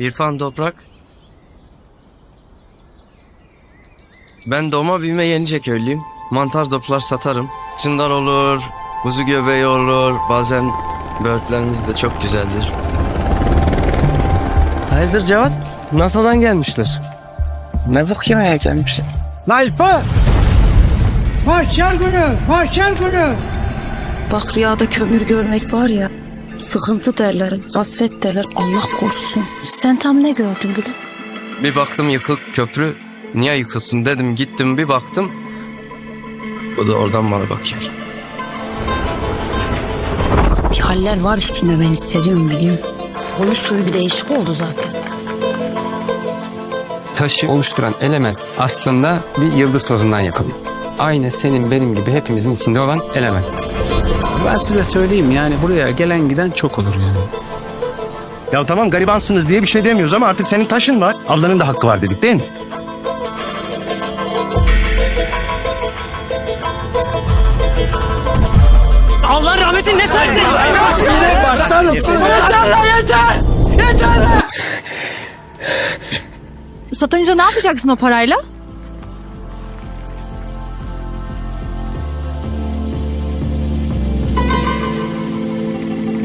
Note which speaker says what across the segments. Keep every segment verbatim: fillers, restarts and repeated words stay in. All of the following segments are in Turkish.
Speaker 1: İrfan Toprak. Ben doğma büyüme Yenice köylüyüm. Mantar toplar satarım. Çındar olur, kuzu göbeği olur. Bazen böğürtlerimiz de çok güzeldir. Hayırdır Cevat? NASA'dan gelmişler.
Speaker 2: Ne bok yemeye gelmişler?
Speaker 3: Nalpa! Mahşer günü! Mahşer günü!
Speaker 4: Bak rüyada kömür görmek var ya, sıkıntı derler, kasvet derler, Allah korusun. Sen tam ne gördün gülüm?
Speaker 1: Bir baktım yıkık köprü. Niye yıkılsın dedim, gittim bir baktım. Bu da oradan bana bakıyor.
Speaker 4: Bir haller var üstünde, ben hissediyorum biliyorum. Boyu suyu bir değişik oldu zaten.
Speaker 2: Taşı oluşturan element aslında bir yıldız tozundan yapılıyor. Aynı senin benim gibi hepimizin içinde olan element.
Speaker 5: Ben size söyleyeyim, yani buraya gelen giden çok olur yani.
Speaker 6: Ya tamam garibansınız diye bir şey demiyoruz ama artık senin taşın var. Ablanın da hakkı var dedik değil mi?
Speaker 5: Allah rahmetin ne serdi?
Speaker 3: Başlarım!
Speaker 5: Yeter lan yeter! Yeter lan!
Speaker 7: Satınca ne yapacaksın o parayla?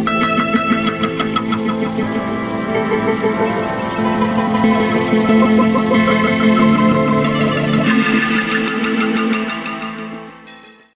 Speaker 4: Müzik